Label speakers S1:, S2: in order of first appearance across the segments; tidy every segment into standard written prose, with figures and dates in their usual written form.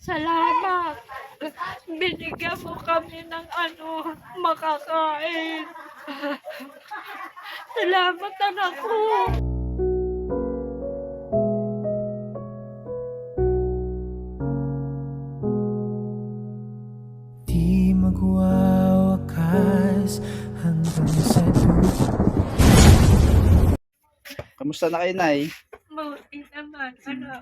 S1: Salamat. Binigyan mo kami ng makakain. Salamat, anak ko.
S2: Di magwawakas hanggang sa dulo.
S3: Kamusta na kayo, Nay?
S1: Mabuti naman, anak.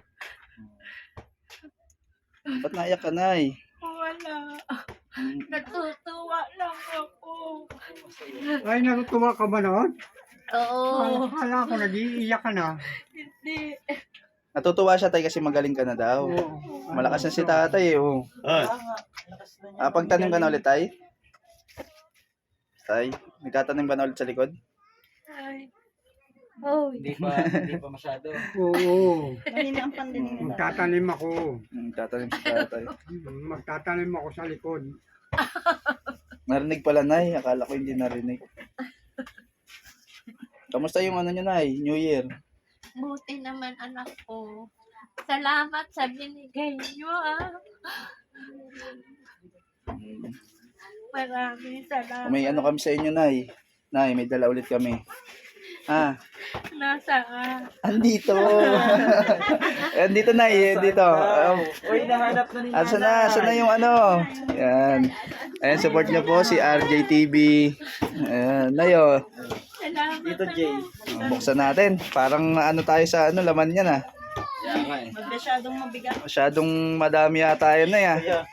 S3: Ba't naiyak ka, Nay?
S1: Wala. Natutuwa lang ako.
S4: Ay, natutuwa ka ba noon?
S1: Oo.
S4: Akala ko nag-iiyak ka na.
S1: Hindi.
S3: Natutuwa siya, Tay, kasi magaling ka na daw.
S4: Oo.
S3: Malakas na si tatay, oh. Pagtanim ka na ulit, Tay? Tay, nagtatanim ka na ulit sa likod?
S1: Ay. Oh,
S5: Hindi pa masyado.
S4: Oo.
S1: mahina ang pandemya.
S4: Magtatanim ako.
S3: Nagtatanim si tatay.
S4: Magtatanim ako sa likod.
S3: Narinig pala, Nay. Akala ko hindi narinig. Kamusta yung ano nyo, Nay? New Year?
S1: Buti naman, anak ko. Salamat sa binigay niyo, Maraming salamat.
S3: May ano kami sa inyo, Nay. Nay, may dala ulit kami.
S1: Nasaan?
S3: Andito. Andito, Nay. Dito.
S5: Uy, nahanap na ni
S3: Saan na yung ano? Yan. Ayan, support niyo po si RJTV. Ayan, Nay, oh.
S1: Salamat,
S5: Dito, Jay.
S3: Buksan natin. Parang ano tayo sa ano, laman niya na.
S5: Yan nga eh.
S1: Masyadong mabigat.
S3: Masyadong madami yata yun, Nay, ah.
S5: Kaya,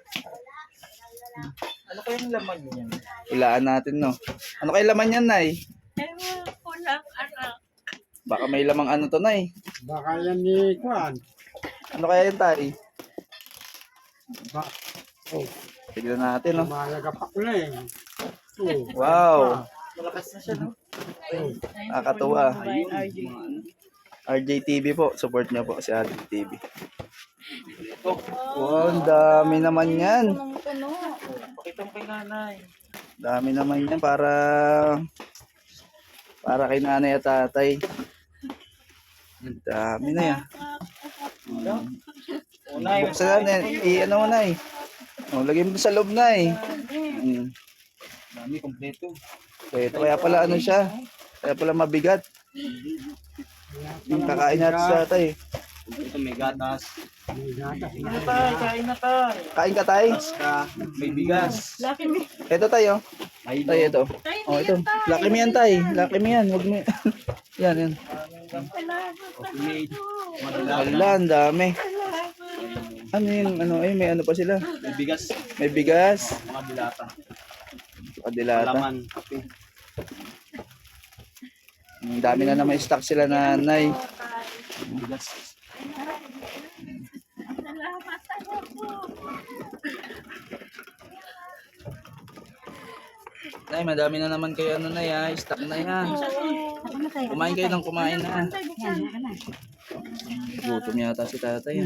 S5: ano kayang laman niyan?
S3: Hulaan natin, no? Ano kayo laman yan, Nay?
S1: Ewan ko lang, anak.
S3: Baka may lamang ano to, Nay.
S4: Baka yan ni Kwan.
S3: Ano kaya yun, Tay?
S4: Oh,
S3: Tignan natin, no?
S4: malaga pa ko na eh. Oh.
S3: Wow.
S5: Malakas na siya, no?
S3: Nakakatuwa. RJTV po. Support niyo po si RJTV. Wow, ang dami naman yan.
S5: Pakita mo kay nanay.
S3: Dami naman yan para kay nanay at tatay. Ang dami na yan.
S5: Unay,
S3: Buksan natin. I-ano mo, Nay. O, lagyan mo sa loob, Nay.
S5: dami, kompleto.
S3: Ito kaya pala ano siya. Kaya pala mabigat. Yung kakain natin sa tatay.
S5: Ito may gatas.
S4: May gatas na.
S5: Ano tayo? Kain na tayo.
S3: Kain ka, Tay.
S5: May bigas.
S3: Ito, tayo.
S5: May
S3: Tay, ito. Oh, ito. Laki mo yan, Tay. Laki mo yan. Huwag mo. Yan, yan.
S5: made.
S3: Wala, ang dami. Ano yung ano? Ay, may ano pa sila.
S5: May bigas.
S3: May bigas.
S5: Mga dilata.
S3: Kadilata.
S5: Laman. Kape.
S3: Ang dami na naman stock sila, nanay.
S5: Bigas.
S1: Salamat, anak ko.
S3: Nay, madami na naman kayo ano na ya. Stock na yan. Kumain kayo ng kumain na. Gutom yata si tatay.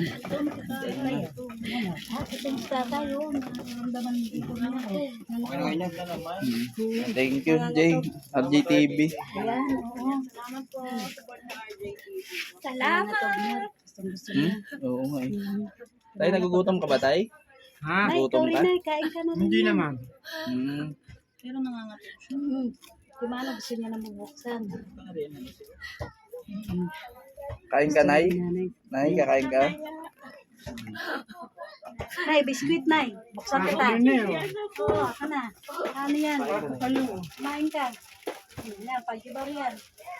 S3: Thank you, Jay. RJTV.
S1: Salamat.
S3: Oo nga eh. Tay, nagugutom ka ba, Tay?
S4: Ha?
S3: Nagugutom ka?
S6: Kain ka na rin.
S4: Hindi naman.
S6: Pero nangangatid siya. Si Mano gusto niya na mabuksan.
S3: Kain ka, Nay? Nay, kakain ka?
S6: Nay, biskuit, Nay. Buksan kita.
S4: Ano na yun?
S6: Oo, ka na. Ano yan? Kumain ka. Yan, pag-ibar yan.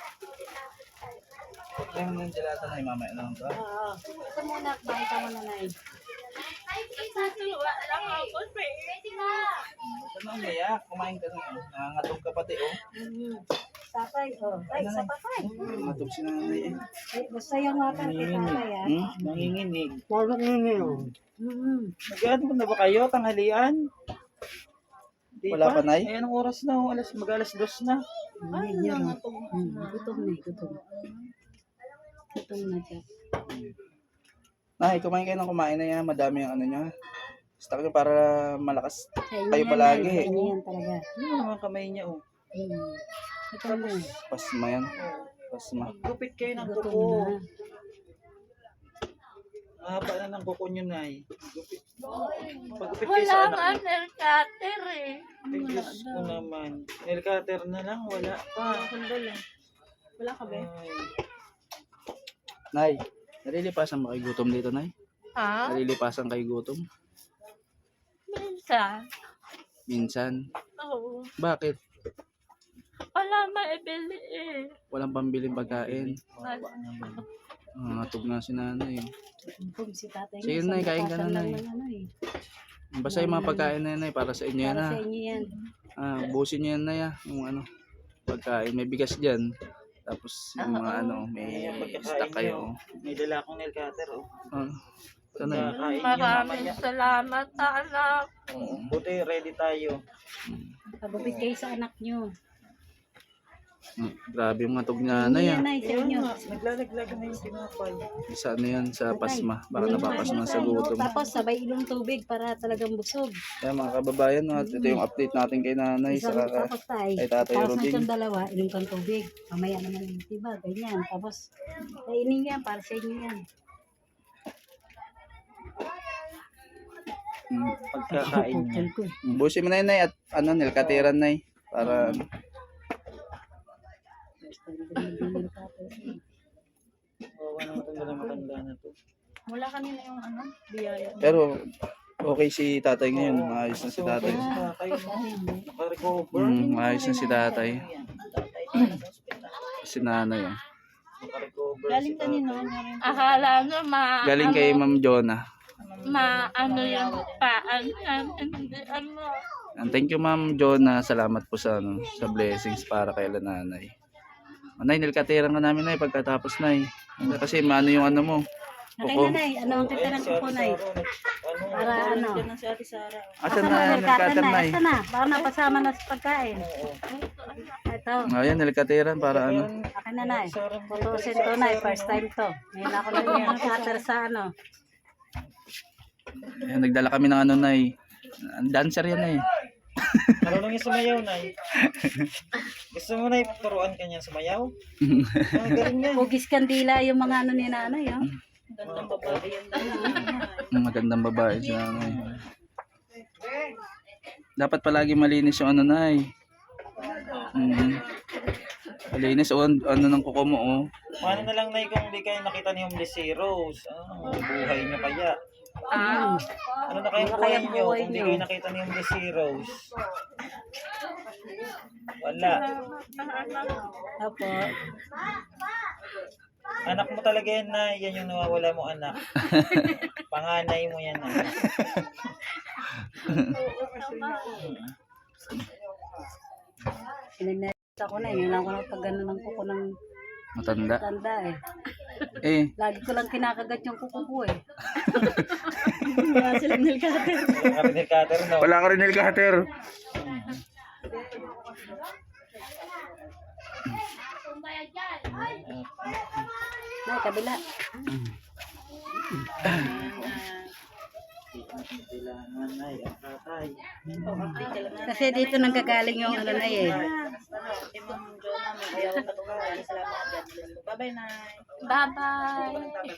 S3: Yung gelata, Nay, mamaya na lang to.
S6: Oo. Ito muna, kumain ka muna, Nay.
S1: Natutuwa lang ako,
S3: Ba't na umiyak? Kumain ka na. Nangangatog ka pati, oh.
S6: Tatay, Ay, isa pa, Tay.
S3: Nangangatog si nanay, eh.
S6: Ay, basta yung water kay tatay,
S5: Nanginginig.
S4: Paano ko na yun?
S5: Nag-ano na ba kayo? Tanghalian? Di
S3: Wala pa, Nay?
S5: Eh, anong oras na? Mag-alas 2 na.
S6: Ay, gutom na, gutom. Gutom na siya.
S3: Nay, kumain kayo ng kumain na yan. Madami yung ano nyo. Stock nyo para malakas
S6: Kaya
S3: kayo
S6: yan,
S3: palagi,
S6: Nay.
S3: eh.
S6: Kaya yan talaga.
S5: Ano naman kamay niya, oh.
S6: Ito na.
S3: Pasma yan. Pasma.
S5: Gupit kayo ng
S6: Gutom
S5: kuko.
S6: na.
S5: Mahaba na ng kuko nyo, Nay. Gupit. Pagupit kayo
S1: Wala
S5: sa
S1: nga
S5: anak.
S1: nail cutter eh.
S5: Ay, Diyos ko naman. Nail cutter na lang, wala pa.
S6: Wala ka ba?
S5: Ay.
S3: Nay, nalilipasan mo kay gutom dito, Nay?
S1: Ha?
S3: Nalilipasan kay gutom?
S1: Minsan.
S3: Minsan.
S1: Oo.
S3: Bakit?
S1: Wala maibili eh.
S3: Walang pambiling pagkain.
S1: Wala.
S3: Tug na si nanay.
S6: Kung si tatay
S3: Sige, Nay, kain ka na, Nay. Basta yung mga pagkain na yan, Nay, para sa inyo yan,
S6: Para
S3: ha?
S6: sa inyo yan.
S3: Busin nyo yan, Nay, ha? Yung ano, pagkain. May bigas dyan. Tapos yung mga may stock kayo.
S5: May dala akong nail cutter, oh.
S3: Ito, Nay.
S5: Kakain nyo
S1: Maraming
S5: mamaya.
S1: salamat anak.
S5: Buti, ready tayo.
S6: Pagupit kayo sa anak nyo.
S3: Grabe yung matog niya, Nay, ha?
S6: Yan ay sa inyo.
S5: Naglalaglag na yung pinapay.
S3: Sa ano yan, sa pasma. Baka napapasma sa gutom.
S6: Tapos sabay ilong tubig para talagang busog.
S3: Kaya mga kababayan, no, at ito yung update natin kay nanay sa
S6: Tapos tayo.
S3: kay Tatay
S6: Tapos
S3: Roding.
S6: nitong dalawa, inom kang tubig. Mamaya naman yung tiba, ganyan. Tapos, kainin yan, para sa inyo yan.
S5: Pagkakain niya.
S6: Yan ko.
S3: Busin mo na yun, Nay, at ano, nilkatiran, Nay. Para,
S5: Wawa naman itong dala matanda na to.
S6: Mula kanina yung ano, biyaya.
S3: pero, okay si tatay ngayon. Maayos na si tatay.
S5: Tatay mo. Naka-recover.
S3: Maayos na si tatay. Si nanay, oh.
S5: Naka-recover
S6: Galing
S5: si
S6: kanino?
S5: tatay.
S1: Akala nyo
S3: Galing kay Ma'am Jonah.
S1: ano yung paan yan. Hindi ano.
S3: And thank you, Ma'am Jonah. Salamat po sa, ano, sa blessings para kay nanay. Nay, nilkatiran ka namin, Nay, pagkatapos, Nay. Kasi maano yung ano mo.
S6: Akin
S3: Kuko.
S6: na, Nay. Ano ang kita ng kukunay? Para ano?
S3: Asan na,
S6: Nilkatan
S3: nilkatan,
S6: na.
S3: Nay.
S6: Ito na. Para napasama na sa pagkain. Ito.
S3: Ayan, nilkatiran para ano.
S6: Akin na, Nay. Putusin to, Nay. First time to. Ngayon ako na yung cutter sa ano.
S3: Ayan, nagdala kami ng ano, Nay. Dancer yan, Nay.
S5: Marunong yung sumayaw, Nay. Gusto mo, Nay, turuan ka niya sumayaw? Galing yan.
S6: Hugis kandila yung mga ano ni nanay, oh.
S3: Magandang babae si nanay. Dapat palagi malinis yung ano, Nay. Malinis o ano ng kuko mo, oh.
S5: Paano na lang, Nay, kung hindi kayo nakita ni Homeless Heroes? Buhay niyo kaya? Ano na kayong buhay niyo kung hindi kayo nakita ni Homeless Heroes? Wala.
S6: Opo.
S5: Anak mo talaga yan, na yan yung nawawala mo anak. Panganay mo yan, na.
S6: Pinagnalit ako na, yun lang ako ng pag-ano ng kuko ng
S3: Matanda.
S6: tanda, eh.
S3: Eh,
S6: Lagi ko lang kinakagat yung kuko ko, eh. Wala silang nilkate.
S5: Kapitid cutter, no?
S3: wala ka rin nilkater.
S6: Nay, kabila.
S5: Kailangan, Nay, ang tatay.
S6: Kasi dito nang gagaling yung ano na, eh.
S1: Bye-bye.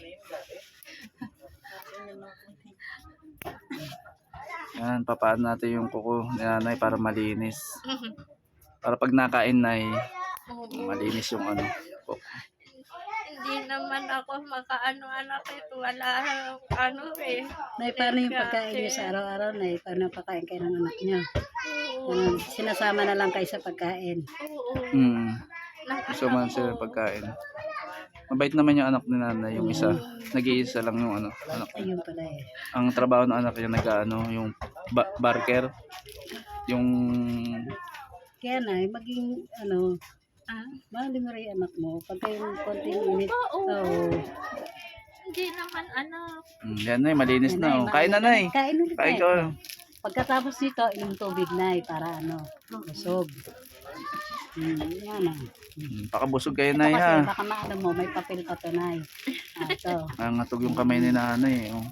S3: Yan, papaano natin yung kuko ni nanay para malinis. Para pag nakain, Nay, malinis yung ano. Kuko.
S1: Hindi naman ako makaano anak ito. Wala ano eh.
S6: Nay, paano yung pagkain niyo sa araw-araw, Nay? Paano yung pagkain kayo ng anak niyo? Ano, sinasama na lang kayo sa pagkain.
S1: Oo.
S3: Gusto man sila pagkain. Mabait naman yung anak ni nanay, yung isa. Nag-iisa lang yung ano, anak.
S6: Ayun pala, eh.
S3: Ang trabaho ng anak niya nag-ano, yung barker. Yung
S6: Kaya, Nay, maging, ano, mahalin mo rin yung anak mo. Pagka yung konting init. Oo.
S1: Hindi naman anak.
S3: yan, Nay, malinis na, oh. Kain na, Nay.
S6: Kain ulit,
S3: Kain
S6: Nay.
S3: ka.
S6: Pagkatapos nito, inom tubig, Nay, para ano, busog. Yan na.
S3: Pakabusog kayo,
S6: Ito
S3: Nay,
S6: kasi,
S3: ha.
S6: baka maano mo, may papel pa to, Nay. Ito.
S3: Nangatog yung kamay ni nanay, oh.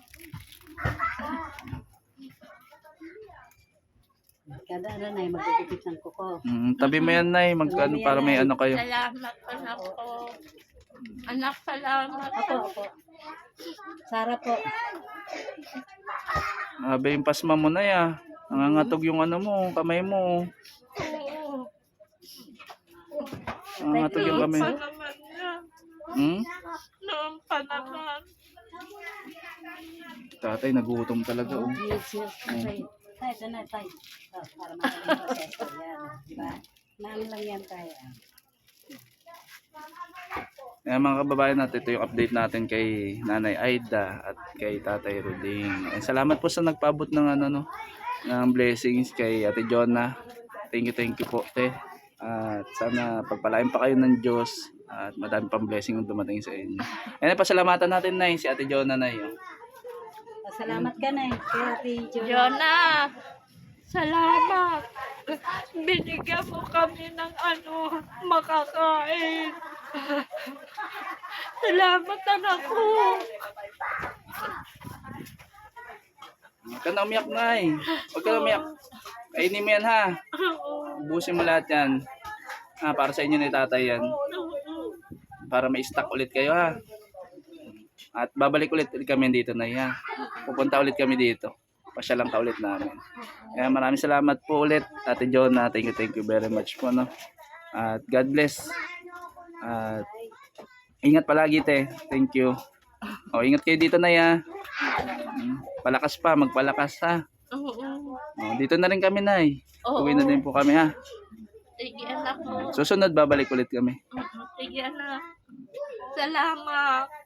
S6: Kada ano, Nay, magpipipit ng kuko.
S3: Tabi mo yan, Nay. Ano, para may ano kayo.
S1: Salamat anak ko. Anak, salamat.
S6: Opo, opo. Sara po.
S3: Abe yung pasma mo na ya. Nangangatog yung ano mo, kamay mo. Nangangatog yung kamay.
S1: Pa naman niya.
S3: Hmm?
S1: Noon pa naman.
S3: Tatay, nagutom talaga. Oh.
S6: Tay, ito na, tay. Para makaling proseso yan. Diba? Naan lang yan, tay.
S3: Kaya mga kababayan natin, ito yung update natin kay Nanay Aida at kay Tatay Ruding. And salamat po sa nagpaabot ng ano no, ng blessings kay Ate Jonah. Thank you po, te. At sana pagpalain pa kayo ng Diyos at madami pang blessing yung dumating sa inyo. And pasalamatan natin na si Ate Jonah na yun.
S6: Salamat ka na kay Ate Jo.
S1: Jonah, salamat. Binigyan mo kami ng ano, makakain. Salamat anak ko.
S3: Huwag ka na umiyak, Nay. Huwag ka na umiyak. Kainin mo yan, ha. Ubusin mo lahat yan. Para sa inyo ni Tatay yan. Para may stock ulit kayo, ha. At babalik ulit kami dito, Nay, ha. Pupunta ulit kami dito. Pasyalan ka ulit namin. Kaya maraming salamat po ulit, Ate Jonah. Thank you very much po, no. At God bless. At ingat palagi, te. Thank you. O, ingat kayo dito, Nay, ha. Palakas pa, magpalakas, ha.
S1: Oo.
S3: O, dito na rin kami, Nay.
S1: Oo.
S3: Uwi na din po kami, ha.
S1: Sige anak ko.
S3: Susunod, babalik ulit kami.
S1: Sige anak. Salamat.